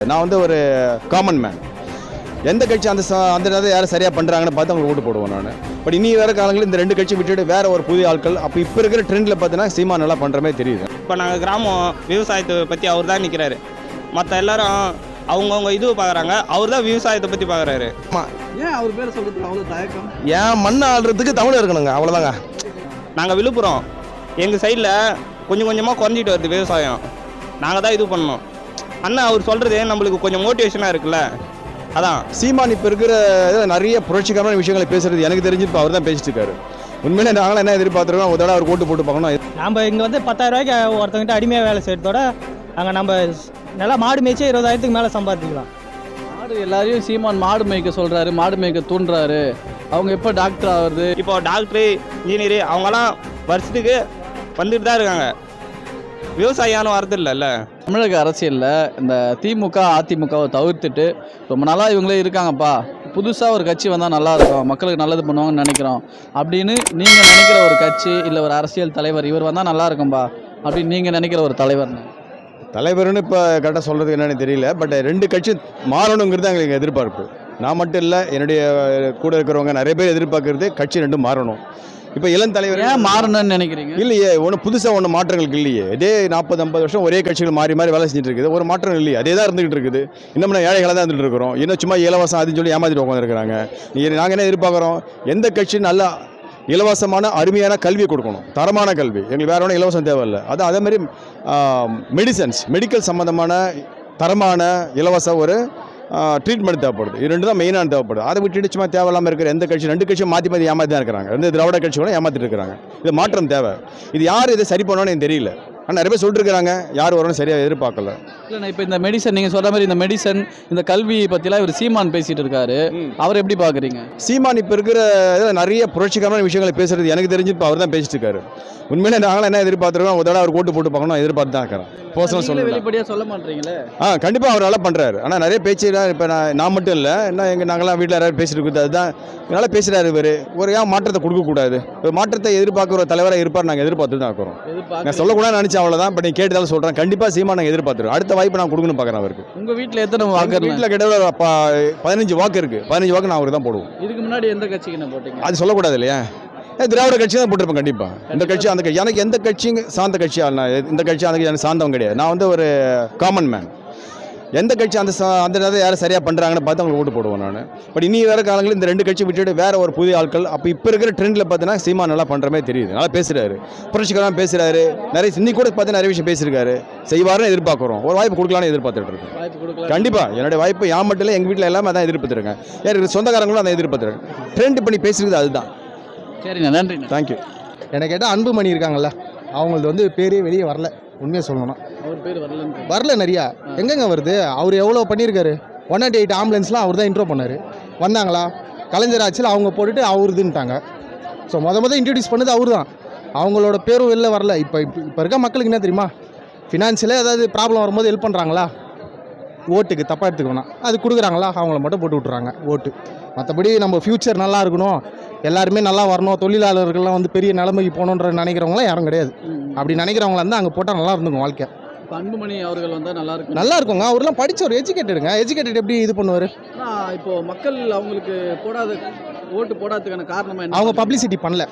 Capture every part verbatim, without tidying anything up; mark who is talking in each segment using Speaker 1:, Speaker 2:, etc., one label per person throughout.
Speaker 1: நான் வந்து ஒரு காமன் மேன். எந்த கட்சி அந்த அந்த நேரத்தை யாரும் சரியாக பண்ணுறாங்கன்னு பார்த்து அவங்க ஓட்டு போடுவேன் நான். பட் இனி வேறு காலங்களில் இந்த ரெண்டு கட்சி விட்டுட்டு வேற ஒரு புதிய ஆட்கள் அப்போ இப்போ இருக்கிற ட்ரெண்டில் பார்த்தீங்கன்னா சீமா நல்லா பண்ணுறமே தெரியுது.
Speaker 2: இப்போ நாங்கள் கிராமம் விவசாயத்தை பற்றி அவர் தான் நிற்கிறாரு. மற்ற எல்லாரும் அவங்கவுங்க இது பார்க்குறாங்க, அவர் தான் விவசாயத்தை பற்றி பார்க்குறாரு.
Speaker 3: ஏன் அவர் பேரை சொல்கிறதுக்கு அவ்வளோ தயக்கம்?
Speaker 4: ஏன் மண் ஆள்றதுக்கு தமிழ் இருக்கணுங்க, அவ்வளோதாங்க.
Speaker 2: நாங்கள் விழுப்புரம், எங்கள் சைடில் கொஞ்சம் கொஞ்சமாக குறைஞ்சிட்டு வருது விவசாயம். நாங்கள் தான் இது பண்ணோம். அண்ணா அவர் சொல்கிறது நம்மளுக்கு கொஞ்சம் மோட்டிவேஷனாக இருக்குல்ல, அதான்.
Speaker 1: சீமான் இப்போ இருக்கிற நிறைய புரட்சிகரமான விஷயங்களை பேசுறது எனக்கு தெரிஞ்சு இப்போ அவர் தான் பேசிட்டு இருக்காரு. உண்மையிலே நாங்களும் என்ன எதிர்பார்த்துருக்கோம், ஒரு தடவை அவர் ஓட்டு போட்டு பார்க்கணும்.
Speaker 5: நம்ம இங்கே வந்து பத்தாயிரம் ரூபாய்க்கு ஒருத்தவங்கிட்ட அடிமையாக வேலை செய்கிறதோட அங்கே நம்ம நல்லா மாடு மேய்ச்சி இருபதாயிரத்துக்கு மேலே சம்பாதிக்கலாம்.
Speaker 3: மாடு எல்லாரையும் சீமான் மாடு மேய்க்க சொல்கிறாரு, மாடு மேய்க்க தூண்டுறாரு. அவங்க எப்போ டாக்டர் ஆகுறது?
Speaker 2: இப்போ டாக்டரு, இன்ஜினியரு அவங்கெல்லாம் வருஷத்துக்கு வந்துட்டு தான் இருக்காங்க. விவசாயம் வரது இல்லைல்ல.
Speaker 3: தமிழக அரசியலில் இந்த திமுக அதிமுகவை தவிர்த்துட்டு ரொம்ப நாளாக இவங்களே இருக்காங்கப்பா, புதுசாக ஒரு கட்சி வந்தால் நல்லாயிருக்கும், மக்களுக்கு நல்லது பண்ணுவாங்கன்னு நினைக்கிறோம் அப்படின்னு நீங்கள் நினைக்கிற ஒரு கட்சி இல்லை ஒரு அரசியல் தலைவர் இவர் வந்தால் நல்லா இருக்கும்பா அப்படின்னு நீங்கள் நினைக்கிற ஒரு தலைவர்னு?
Speaker 1: தலைவர்னு இப்போ கரெக்டாக சொல்கிறது என்னன்னு தெரியல. பட் ரெண்டு கட்சி மாறணுங்கிறது எங்களுக்கு எதிர்பார்ப்பு. நான் மட்டும் இல்லை, என்னுடைய கூட இருக்கிறவங்க நிறைய பேர் எதிர்பார்க்கறது கட்சி ரெண்டும் மாறணும். இப்போ இளம் தலைவர்
Speaker 3: ஏன் மாறணும்னு நினைக்கிறீங்க?
Speaker 1: இல்லையே, ஒன்றும் புதுசாக ஒன்றும் மாற்றங்களுக்கு இல்லையே. இதே நாற்பது ஐம்பது வருஷம் ஒரே கட்சிகள் மாறி மாறி வேலை செஞ்சுட்டு இருக்குது, ஒரு மாற்றம் இல்லையே, அதே தான் இருந்துகிட்டு இருக்குது. இன்னும் நான் ஏழைகளாக தான் இருந்துட்டு இருக்கிறோம். இன்னும் சும்மா இலவசம் அதுன்னு சொல்லி ஏமாற்றிட்டு உட்காந்துருக்கிறாங்க. நாங்கள் என்ன எதிர்பார்க்குறோம், எந்த கட்சி நல்லா இலவசமான அருமையான கல்வியை கொடுக்கணும், தரமான கல்வி. எங்களுக்கு வேற ஒன்றும் இலவசம் தேவையில்லை. அது அதே மாதிரி மெடிசன்ஸ், மெடிக்கல் சம்மந்தமான தரமான இலவச ஒரு ட்ரீட்மெண்ட் தேவைப்படுது. இது ரெண்டு தான் மெயினாக தேவைப்படுது. அதை விட்டுட்டு சும்மா தேவையில்லாமல் இருக்கிற எந்த கட்சி, ரெண்டு கட்சியும் மாற்றி மாற்றி ஏமாற்றி தான் இருக்கிறாங்க. ரெண்டு திராவிட கட்சிகளும் ஏமாற்றிட்டு இருக்கிறாங்க. இது மாற்றம் தேவை. இது யார் இதை சரி பண்ணணும்னு எனக்கு தெரியல. ஆனால் நிறைய பேர் சொல்லிட்டு இருக்காங்க, யார் வரணும் சரியாக எதிர்பார்க்கல.
Speaker 3: இல்லைண்ணா, இப்போ இந்த மெடிசன் நீங்கள் சொல்கிற மாதிரி இந்த மெடிசன் இந்த கல்வி பற்றிலாம் இவர் சீமான் பேசிகிட்டு இருக்காரு, அவர் எப்படி பார்க்குறீங்க?
Speaker 1: சீமான் இப்போ இருக்கிற நிறைய புரட்சிகரமான விஷயங்களை பேசுறது எனக்கு தெரிஞ்சு இப்போ அவர் தான் பேசிட்டு இருக்காரு. உண்மையிலே நாங்களும் என்ன எதிர்பார்த்துருக்கோம், ஒரு தடவை அவர் ஓட்டு போட்டு பார்க்கணும் எதிர்பார்த்து தான் இருக்கிறேன். பர்சனல் சொல்ல
Speaker 3: வெளிப்படையாக சொல்ல மாட்டீங்களே? ஆ
Speaker 1: கண்டிப்பாக அவர் நல்லா பண்ணுறாரு. ஆனால் நிறைய பேச்சு இப்போ நான் நான் மட்டும் இல்லை, என்ன எங்கள் நாங்களாம் வீட்டில் யாராவது பேசிட்டு இருக்குது, அதுதான் நல்லா பேசுகிறாரு இவர். ஒரு ஏன் மாற்றத்தை கொடுக்கக்கூடாது, ஒரு மாற்றத்தை எதிர்பார்க்குற ஒரு தலைவராக இருப்பார். நாங்கள் எதிர்பார்த்து தான் இருக்கிறோம். நான் சொல்லக்கூடாது நினச்சேன், அவ்வளோதான். பட் நீ கேட்டதாலும் சொல்கிறேன், கண்டிப்பாக சீமா நாங்கள் எதிர்பார்த்துருக்கோம். அடுத்த வாய்ப்பு நான் கொடுக்கணும் பார்க்குறேன் அவருக்கு.
Speaker 3: உங்கள் வீட்டில் எத்தனை வாக்கு?
Speaker 1: வீட்டில் கிட்ட பதினஞ்சு வாக்கு இருக்குது. பதினஞ்சு வாக்கு நான் அவருக்கு தான் போடுவோம்.
Speaker 3: இதுக்கு முன்னாடி எந்த கட்சிக்கு என்ன போட்டீங்க?
Speaker 1: அது சொல்லக்கூடாது இல்லையா? திராவிட கட்சி தான் போட்டிருப்பேன் கண்டிப்பாக. இந்த கட்சி அந்த கட்சி, எனக்கு எந்த கட்சியும் சார்ந்த கட்சியாக நான் இந்த கட்சி அந்த கட்சி எனக்கு சார்ந்தவங்க கிடையாது. நான் வந்து ஒரு காமன் மேன். எந்த கட்சி அந்த அந்த நேரத்தை யாரும் சரியாக பண்ணுறாங்கன்னு பார்த்து அவங்களுக்கு ஓட்டு போடுவேன் நான். பட் இனி வேறு காலங்களில் இந்த ரெண்டு கட்சி விட்டுட்டு வேற ஒரு புதிய ஆட்கள் அப்போ இப்போ இருக்கிற ட்ரெண்டில் பார்த்தீங்கன்னா சீமா நல்லா பண்ணுறமே தெரியுது. நல்லா பேசுகிறாரு, புரட்சிகரமாக பேசுகிறாரு. நிறைய இன்னி கூட பார்த்து நிறைய விஷயம் பேசியிருக்காரு. செய்வாருன்னு எதிர்பார்க்குறோம். ஒரு வாய்ப்பு கொடுக்கலான்னு எதிர்பார்த்துட்டு இருக்கேன். கண்டிப்பாக என்னுடைய வாய்ப்பு யான் மட்டும் இல்லை, எங்கள் வீட்டில் எல்லாமே அதான் எதிர்பார்த்துருக்கேன். யார் சொந்தக்காரங்களும் அதை எதிர்பார்த்துருக்கேன். ட்ரெண்ட் பண்ணி பேசுகிறது அதுதான்.
Speaker 3: சரிண்ணா, நன்றி.
Speaker 1: தேங்க்யூ.
Speaker 6: எனக்கு கேட்டால் அன்புமணி இருக்காங்கல்ல, அவங்களது வந்து பேரே வெளியே வரல. உண்மையாக சொல்லணும்னா
Speaker 3: அவர் பேர் வரல
Speaker 6: வரல நிறையா. எங்கெங்க வருது? அவர் எவ்வளோ பண்ணியிருக்காரு. ஒன் நாட் எயிட் ஆம்புலன்ஸ்லாம் அவர் தான் இன்ட்ரோ பண்ணார். வந்தாங்களா? கலைஞர் ஆட்சியில் அவங்க போட்டுட்டு அவருதுன்ட்டாங்க. ஸோ மொதல் மொதல் இன்ட்ரடியூஸ் பண்ணது அவர் தான். அவங்களோட பேரும் வெளில வரல. இப்போ இப்போ இப்போ இருக்க மக்களுக்கு என்ன தெரியுமா, ஃபினான்ஷியலாக ஏதாவது ப்ராப்ளம் வரும்போது ஹெல்ப் பண்ணுறாங்களா? ஓட்டுக்கு தப்பாக எடுத்துக்கணும், அது கொடுக்குறாங்களா? அவங்கள மட்டும் போட்டு விட்றாங்க ஓட்டு. மற்றபடி நம்ம ஃப்யூச்சர் நல்லா இருக்கணும், எல்லாருமே நல்லா வரணும், தொழிலாளர்கள்லாம் வந்து பெரிய நிலைமைக்கு போகணுன்ற நினைக்கிறவங்களாம் யாரும் கிடையாது. அப்படி நினைக்கிறவங்களா இருந்தால் அங்கே போட்டால் நல்லா இருந்துக்கும் வாழ்க்கை.
Speaker 3: அன்புமணி அவர்கள் வந்தால் நல்லா இருக்கும்.
Speaker 6: நல்லா இருக்குங்க. அவர்லாம் படித்த ஒரு எஜுகேட்டடுங்க. எஜுகேட்டட் எப்படி இது பண்ணுவார்?
Speaker 3: ஆனால் இப்போ மக்கள் அவங்களுக்கு போடாத ஓட்டு போடாததுக்கான காரணமாக என்ன?
Speaker 6: அவங்க பப்ளிசிட்டி பண்ணல.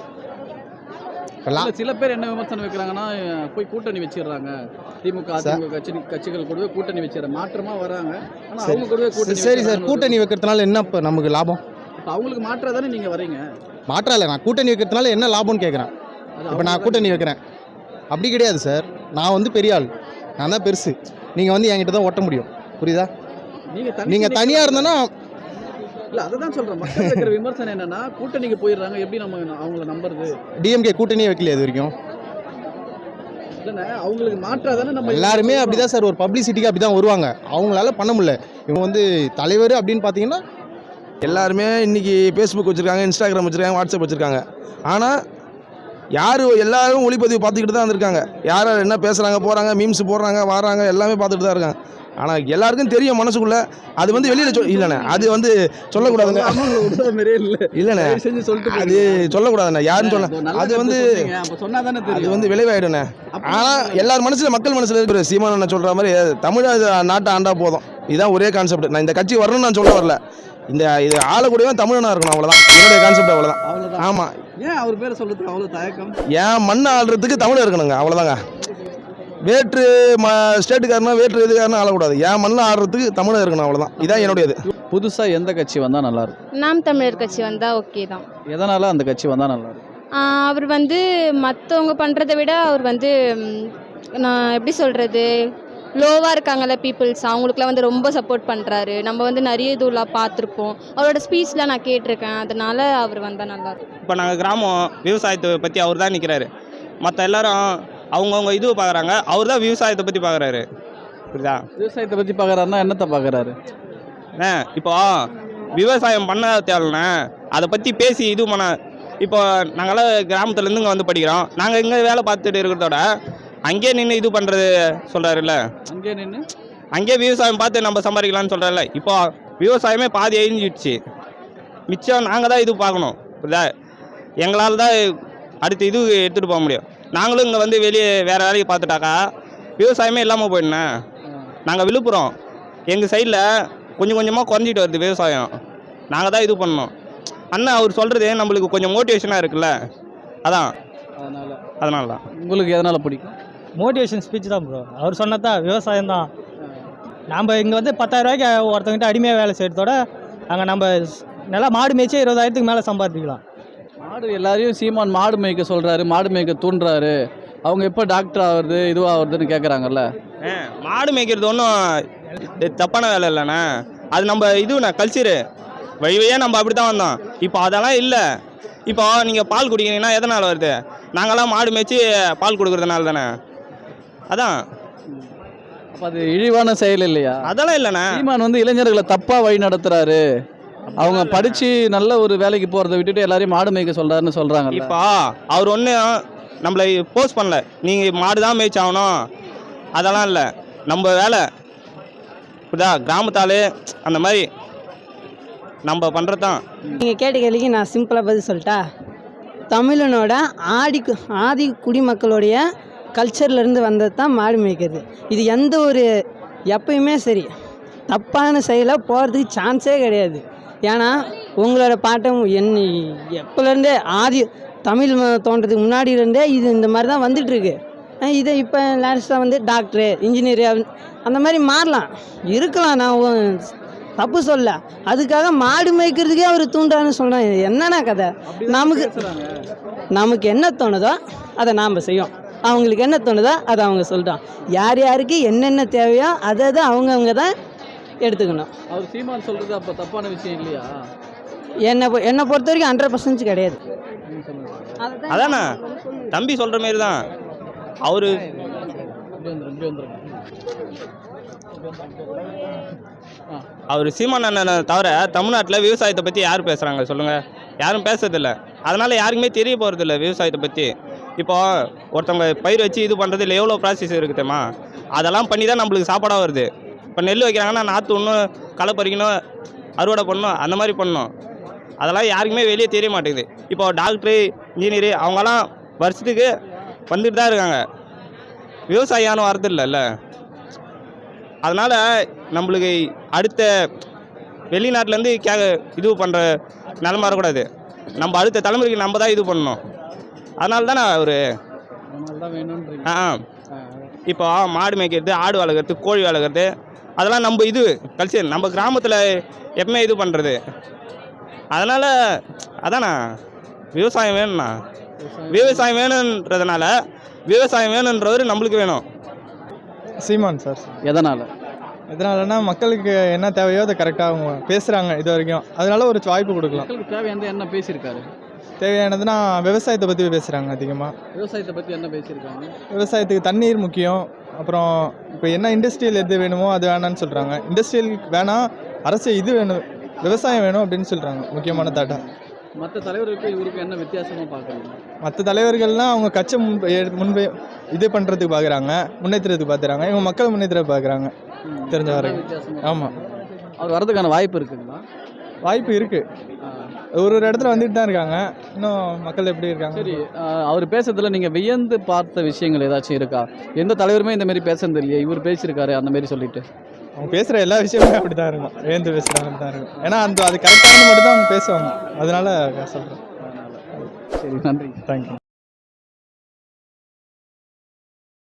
Speaker 3: சில பேர் என்ன விமர்சனம் வைக்கிறாங்கன்னா, போய் கூட்டணி வச்சிடுறாங்க, திமுக அதிமுக கட்சி கட்சிகள் கூடவே கூட்டணி வச்சிடறாங்க, மாற்றமாக வராங்க. ஆனால் அவங்க கூடவே கூட்டணி. சரி சார்,
Speaker 6: கூட்டணி வைக்கிறதுனால என்ன இப்போ நமக்கு லாபம்?
Speaker 3: அவங்களுக்கு மாற்றா தானே நீங்கள் வரீங்க?
Speaker 6: மாற்றா இல்லை, நான் கூட்டணி வைக்கிறதுனால என்ன லாபம்னு கேட்குறேன். இப்போ நான் கூட்டணி வைக்கிறேன் அப்படி கிடையாது சார். நான் வந்து பெரிய ஆள், நான் தான் பெருசு. நீங்கள் வந்து என்கிட்ட தான் ஒட்ட முடியும், புரியுதா? நீங்கள் நீங்கள் தனியாக இருந்தேன்னா
Speaker 3: இல்லை, அதை தான் சொல்கிறேன். மக்கள் வைக்கிற விமர்சனம் என்னன்னா, கூட்டணிக்கு போயிடுறாங்க, எப்படி நம்ம அவங்கள நம்புறது?
Speaker 6: டிஎம்கே கூட்டணியே வைக்கல இது வரைக்கும்.
Speaker 3: இல்லைண்ணா, அவங்களுக்கு மாற்றா தானே நம்ம
Speaker 6: எல்லாருமே அப்படி தான் சார், ஒரு பப்ளிசிட்டிக்கு அப்படி தான் வருவாங்க. அவங்களால பண்ண முடியல. இவங்க வந்து தலைவர் அப்படின்னு பார்த்தீங்கன்னா
Speaker 4: எல்லாருமே இன்றைக்கி ஃபேஸ்புக் வச்சுருக்காங்க, இன்ஸ்டாகிராம் வச்சுருக்காங்க, வாட்ஸ்அப் வச்சுருக்காங்க. ஆனால் யார் எல்லாரும் ஒளிப்பதிவு பார்த்துக்கிட்டு தான் இருக்காங்க. யார் என்ன பேசுகிறாங்க, போகிறாங்க, மீம்ஸ் போடுறாங்க, வராங்க, எல்லாமே பார்த்துட்டு தான் இருக்காங்க. ஆனால் எல்லாருக்கும் தெரியும் மனசுக்குள்ள. அது வந்து வெளியில் சொல் இல்லைண்ணே, அது வந்து சொல்லக்கூடாதுங்க. இல்லைண்ணே, அது சொல்லக்கூடாதுண்ணே, யாருன்னு சொல்ல அது வந்து அது வந்து விளைவாயிடுண்ணே. ஆனால் எல்லார் மனசில், மக்கள் மனசில் இருக்கிற சீமானண்ண சொல்கிற மாதிரி தமிழ் நாட்டை ஆண்டா போதும், இதுதான் ஒரே கான்செப்ட். நான் இந்த கட்சி வரணும்னு நான் சொல்ல வரல, இந்த இது ஆளக்கூடியவன் தமிழனாக இருக்கணும், அவ்வளோதான் என்னுடைய கான்செப்ட், அவ்வளோதான்.
Speaker 3: அவ்வளோதான்.
Speaker 4: ஆமாம்,
Speaker 3: ஏன் அவர் பேரை சொல்றதுக்கு அவ்வளோ தயக்கம்?
Speaker 4: என் மண்ணை ஆள்றதுக்கு தமிழ் இருக்கணுங்க, அவ்வளோதாங்க. வேற்று ம ஸ்டேட்டுக்காரனா வேற்று இதுக்காரனா ஆளக்கூடாது, என் மண்ணில் ஆடுறதுக்கு தமிழர் இருக்கணும், அவ்வளோதான். இதான் என்னுடைய இது.
Speaker 3: புதுசாக எந்த கட்சி வந்தால் நல்லாயிருக்கும்?
Speaker 7: நாம் தமிழர் கட்சி வந்தால் ஓகே தான்.
Speaker 3: எதனால் அந்த கட்சி வந்தால் நல்லாயிருக்கும்?
Speaker 7: அவர் வந்து மற்றவங்க பண்ணுறதை விட அவர் வந்து ம், நான் எப்படி சொல்கிறது, லோவாக இருக்காங்கல்ல பீப்புள்ஸ், அவங்களுக்குலாம் வந்து ரொம்ப சப்போர்ட் பண்ணுறாரு. நம்ம வந்து நிறைய இதுலாம் பார்த்துருப்போம், அவரோட ஸ்பீச்லாம் நான் கேட்டிருக்கேன், அதனால் அவர் வந்தால் நல்லாயிருக்கும்.
Speaker 2: இப்போ நாங்கள் கிராமம் விவசாயத்தை பற்றி அவர் தான் நிற்கிறாரு. மற்ற எல்லாரும் அவங்கவுங்க இதுவை பார்க்குறாங்க, அவர் தான் விவசாயத்தை பற்றி பார்க்குறாரு. புரியுதா?
Speaker 3: விவசாயத்தை பற்றி பார்க்குறாருன்னா என்னத்தை பார்க்குறாரு?
Speaker 2: அண்ணே இப்போ விவசாயம் பண்ண தேவைண்ணே, அதை பற்றி பேசி இது பண்ண. இப்போ நாங்களாம் கிராமத்துலேருந்து இங்கே வந்து படிக்கிறோம், நாங்கள் இங்கே வேலை பார்த்துட்டு இருக்கிறதோட அங்கேயே நின்று இது பண்ணுறது சொல்கிறாருல்ல,
Speaker 3: அங்கே நின்று
Speaker 2: அங்கேயே விவசாயம் பார்த்து நம்ம சம்பாதிக்கலாம்னு சொல்கிறாருல்ல. இப்போ விவசாயமே பாதி அழிஞ்சிடுச்சு, மிச்சம் நாங்கள் தான் இது பார்க்கணும். புரியுதா? எங்களால் தான் அடுத்த இது எடுத்துகிட்டு போக முடியும். நாங்களும் இங்கே வந்து வெளியே வேறு வேலைக்கு பார்த்துட்டாக்கா விவசாயமே இல்லாமல் போயிடுண்ணே. நாங்கள் விழுப்புரம், எங்கள் சைடில் கொஞ்சம் கொஞ்சமாக குறைஞ்சிட்டு வருது விவசாயம், நாங்கள் தான் இது பண்ணோம். அண்ணா அவர் சொல்கிறது நம்மளுக்கு கொஞ்சம் மோட்டிவேஷனாக இருக்குல்ல, அதான்
Speaker 3: அதனால்
Speaker 2: அதனால தான்.
Speaker 3: உங்களுக்கு எதனால் பிடிக்கும்?
Speaker 5: மோட்டிவேஷன் ஸ்பீச் தான் ப்ரோ. அவர் சொன்னதா விவசாயம் தான். நம்ம இங்கே வந்து பத்தாயிரம் ரூபாய்க்கு ஒருத்தவங்கிட்ட அடிமையாக வேலை செய்கிறதோட அங்கே நம்ம நல்லா மாடு மேய்ச்சே இருபதாயிரத்துக்கு மேலே சம்பாதிக்கலாம்.
Speaker 3: மாடு எல்லாரையும் சீமான் மாடு மேய்க்க சொல்கிறாரு, மாடு மேய்க்க தூண்டுறாரு. அவங்க எப்போ டாக்டர் ஆகுறது இதுவாகுறதுன்னு கேட்குறாங்கல்ல.
Speaker 2: ஆ, மாடு மேய்க்கிறது ஒன்றும் தப்பான வேலை இல்லைண்ணே, அது நம்ம இதுண்ணே கல்ச்சரு, வழி வழியாக நம்ம அப்படி தான் வந்தோம். இப்போ அதெல்லாம் இல்லை. இப்போ நீங்கள் பால் குடிக்கிறீங்கன்னா எதனால் வருது? நாங்களாம் மாடு மேய்ச்சி பால் கொடுக்குறதுனால தானே. அதான்.
Speaker 3: அப்போ அது இழிவான செயல் இல்லையா?
Speaker 2: அதெல்லாம் இல்லைண்ணே.
Speaker 3: சீமான் வந்து இளைஞர்களை தப்பாக வழி நடத்துறாரு, அவங்க படித்து நல்ல ஒரு வேலைக்கு போகிறத விட்டுட்டு எல்லாரையும் மாடு மேய்க்க சொல்கிறாருன்னு சொல்கிறாங்க.
Speaker 2: இப்போ அவர் ஒன்றும் நம்மளை போஸ்ட் பண்ணல, நீங்கள் மாடு தான் மேய்ச்சாகணும் அதெல்லாம் இல்லை, நம்ம வேலை புரியுதா, கிராமத்தாலே அந்த மாதிரி நம்ம பண்ணுறது தான்.
Speaker 8: நீங்கள் கேட்ட கேள்விக்கு நான் சிம்பிளாக பதில் சொல்லிட்டா, தமிழனோட ஆடி கு- ஆதி குடிமக்களுடைய கல்ச்சர்லேருந்து வந்தது தான் மாடு மேய்க்கிறது. இது எந்த ஒரு எப்பயுமே சரி தப்பான செயலாக போகிறதுக்கு சான்ஸே கிடையாது. ஏன்னா உங்களோட பாட்டம் என் எப்போலேருந்தே ஆதி தமிழ் ம- தோன்றதுக்கு முன்னாடியிலேருந்தே இது இந்த மாதிரி தான் வந்துட்டுருக்கு. இதை இப்போ லேட்டஸ்ட்டாக வந்து டாக்டரு இன்ஜினியரு அந்த மாதிரி மாறலாம் இருக்கலாம், நான் ஒ- தப்பு சொல்ல. அதுக்காக மாடு மேய்க்கிறதுக்கே அவர் தூண்டான்னு சொல்கிறேன். என்னென்ன கதை? நமக்கு நமக்கு என்ன தோணுதோ அதை நாம் செய்யும், அவங்களுக்கு என்ன தோணுதோ அதை அவங்க சொல்லிட்டோம். யார் யாருக்கு என்னென்ன தேவையோ அதை அதை அவங்கவுங்க தான் எடுத்துக்கணும்.
Speaker 3: அவர் சீமான் சொல்கிறது அப்போ தப்பான விஷயம் இல்லையா?
Speaker 8: என்னை பொ- என்னை பொறுத்த வரைக்கும் ஹண்ட்ரட் பர்சன்ட் கிடையாது.
Speaker 2: அதானே தம்பி சொல்கிற மாரி தான் அவர். அவர் சீமான் அண்ணனை தவிர தமிழ்நாட்டில் விவசாயத்தை பற்றி யார் பேசுகிறாங்க சொல்லுங்கள்? யாரும் பேசுறதில்ல. அதனால் யாருக்குமே தெரிய போகிறதில்ல விவசாயத்தை பற்றி. இப்போ ஒருத்தவங்க பயிர் வச்சு இது பண்ணுறதுல எவ்வளோ ப்ராசஸ் இருக்குதுமா, அதெல்லாம் பண்ணி தான் நம்மளுக்கு சாப்பாடாக வருது. இப்போ நெல் வைக்கிறாங்கன்னா நாற்று ஒன்றும் களை பறிக்கணும், அறுவடை பண்ணணும், அந்த மாதிரி பண்ணணும். அதெல்லாம் யாருக்குமே வெளியே தெரிய மாட்டேங்குது. இப்போ டாக்டரு இன்ஜினியரு அவங்கெல்லாம் வருஷத்துக்கு வந்துட்டு தான் இருக்காங்க, விவசாயம் வரது இல்லைல்ல. அதனால் நம்மளுக்கு அடுத்த வெளிநாட்டிலேருந்து கே இது பண்ணுற நிலம வரக்கூடாது. நம்ம அடுத்த தலைமுறைக்கு நம்ம தான் இது பண்ணணும். அதனால தானே அவர் ஆ இப்போ மாடு மேய்க்கிறது, ஆடு வளர்க்குறது, கோழி வளர்க்குறது அதெல்லாம் நம்ம இது கல்ச்சர், நம்ம கிராமத்தில் எப்பவுமே இது பண்ணுறது. அதனால் அதாண்ணா விவசாயம் வேணும்ண்ணா. விவசாயம் வேணுன்றதுனால விவசாயம் வேணுன்றவர் நம்மளுக்கு வேணும்.
Speaker 9: சீமான் சார்.
Speaker 3: எதனால்?
Speaker 9: எதனாலனா மக்களுக்கு என்ன தேவையோ அதை கரெக்டாக அவங்க பேசுகிறாங்க இது வரைக்கும், அதனால ஒரு வாய்ப்பு கொடுக்கலாம்.
Speaker 3: மக்களுக்கு தேவையானது என்ன பேசியிருக்காரு?
Speaker 9: தேவையானதுன்னா விவசாயத்தை பற்றி பேசுகிறாங்க அதிகமாக.
Speaker 3: விவசாயத்தை பற்றி என்ன பேசியிருக்காங்க?
Speaker 9: விவசாயத்துக்கு தண்ணீர் முக்கியம், அப்புறம் இப்போ என்ன இண்டஸ்ட்ரியல் எது வேணுமோ அது வேணான்னு சொல்கிறாங்க. இண்டஸ்ட்ரியல் வேணாம், அரசு இது வேணும், விவசாயம் வேணும் அப்படின்னு சொல்கிறாங்க முக்கியமான தாட்டா.
Speaker 3: மற்ற தலைவருக்கு இவருக்கு என்ன வித்தியாசமாக பார்க்குறீங்க?
Speaker 9: மற்ற தலைவர்கள்லாம் அவங்க கட்சி முன் முன்பே இது பண்ணுறதுக்கு பார்க்குறாங்க, முன்னேற்றத்துக்கு பார்க்குறாங்க. இவங்க மக்கள் முன்னேற்ற பார்க்குறாங்க தெரிஞ்ச வரைக்கும்.
Speaker 3: வித்தியாசமாக
Speaker 9: ஆமாம்,
Speaker 3: அவர் வரதுக்கான வாய்ப்பு இருக்குங்களா?
Speaker 9: வாய்ப்பு இருக்குது. ஒரு ஒரு இடத்துல வந்துட்டு தான் இருக்காங்க. இன்னும் மக்கள் எப்படி இருக்காங்க?
Speaker 3: சரி, ஆஹ் அவர் பேசுறதுல நீங்கள் வியந்து பார்த்த விஷயங்கள் ஏதாச்சும் இருக்கா? எந்த தலைவருமே இந்த மாதிரி பேசுறது இல்லையே, இவர் பேசியிருக்காரு அந்த மாதிரி சொல்லிட்டு.
Speaker 9: அவங்க பேசுகிற எல்லா விஷயமுமே அப்படி தான் இருக்கும், வேந்து பேசுகிற மாதிரி தான் இருக்கும். ஏன்னா அந்த அது கரெக்டானது மட்டும் தான் அவங்க பேசுவாங்க, அதனால சொல்கிறேன்.
Speaker 3: சரி, நன்றி.
Speaker 9: தேங்க்யூ.